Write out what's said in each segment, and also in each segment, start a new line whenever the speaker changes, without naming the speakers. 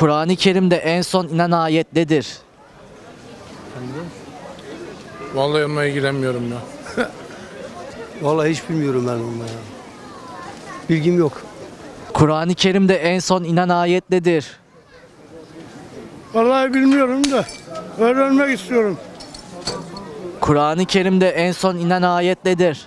Kur'an-ı Kerim'de en son inen ayet nedir?
Vallahi onunla ilgilenmiyorum ya.
Vallahi hiç bilmiyorum ben onu ya. Bilgim yok.
Kur'an-ı Kerim'de en son inen ayet nedir?
Vallahi bilmiyorum da öğrenmek istiyorum.
Kur'an-ı Kerim'de en son inen ayet nedir?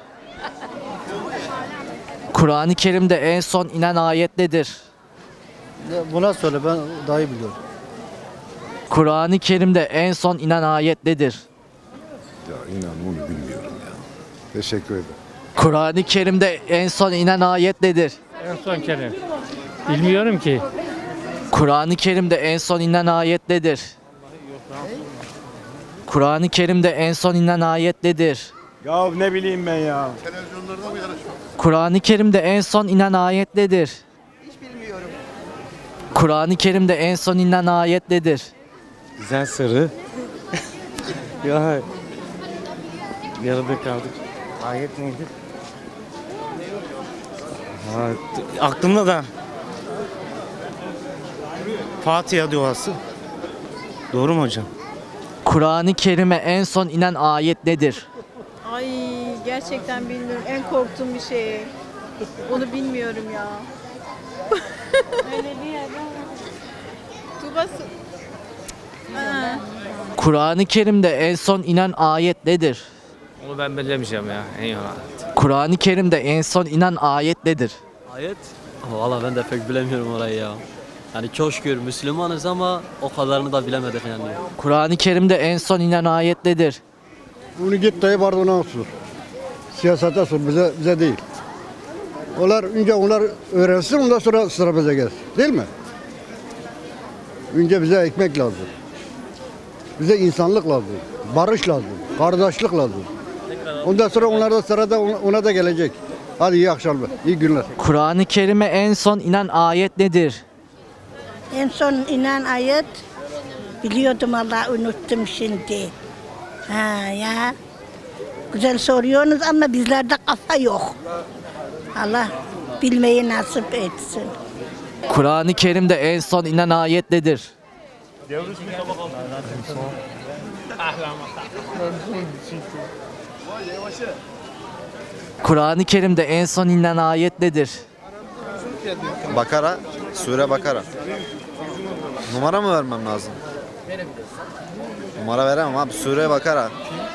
Kur'an-ı Kerim'de en son inen ayet nedir?
Buna söyle, ben daha iyi biliyorum.
Kur'an-ı Kerim'de en son inen ayet nedir?
Ya inan onu bilmiyorum ya. Teşekkür ederim.
Kur'an-ı Kerim'de en son inen ayet nedir?
En son kere. Bilmiyorum ki.
Kur'an-ı Kerim'de en son inen ayet nedir? Kur'an-ı Kerim'de en son inen ayet nedir?
Ya ne bileyim ben ya.
Kur'an-ı Kerim'de en son inen ayet nedir? Kur'an-ı Kerim'de en son inen ayet nedir?
Güzel soru. Ya yarıda kaldık. Ayet neydi? Ha, aklımda da. Fatiha duası. Doğru mu hocam?
Kur'an-ı Kerim'e en son inen ayet nedir?
Ay gerçekten bilmiyorum. En korktuğum bir şey. Onu bilmiyorum ya. Öyle değil Tuğba Ha.
Kur'an-ı Kerim'de en son inen ayet nedir?
Onu ben bilemeyeceğim ya. Eyvallah.
Kur'an-ı Kerim'de en son inen ayet nedir?
Ayet? Valla ben de pek bilemiyorum orayı ya. Yani çok şükür Müslümanız ama o kadarını da bilemedik yani.
Kur'an-ı Kerim'de en son inen ayet nedir?
Bunu git Tayyip Erdoğan'a sor. Siyasete sor, bize değil. Önce onlar öğrensin, ondan sonra sıra bize gelsin. Değil mi? Önce bize ekmek lazım. Bize insanlık lazım. Barış lazım. Kardeşlik lazım. Ondan sonra onlar da sırada ona da gelecek. Hadi iyi akşamlar, iyi günler.
Kur'an-ı Kerim'e en son inen ayet nedir?
En son inen ayet biliyordum Allah unuttum şimdi. Ha ya. Güzel soruyorsunuz ama bizlerde kafa yok. Allah bilmeyi nasip etsin.
Kur'an-ı Kerim'de en son inen ayet nedir? Kur'an-ı Kerim'de en son inen ayet nedir?
Bakara, Sure Bakara. Numara mı vermem lazım? Numara veremem abi. Sure Bakara.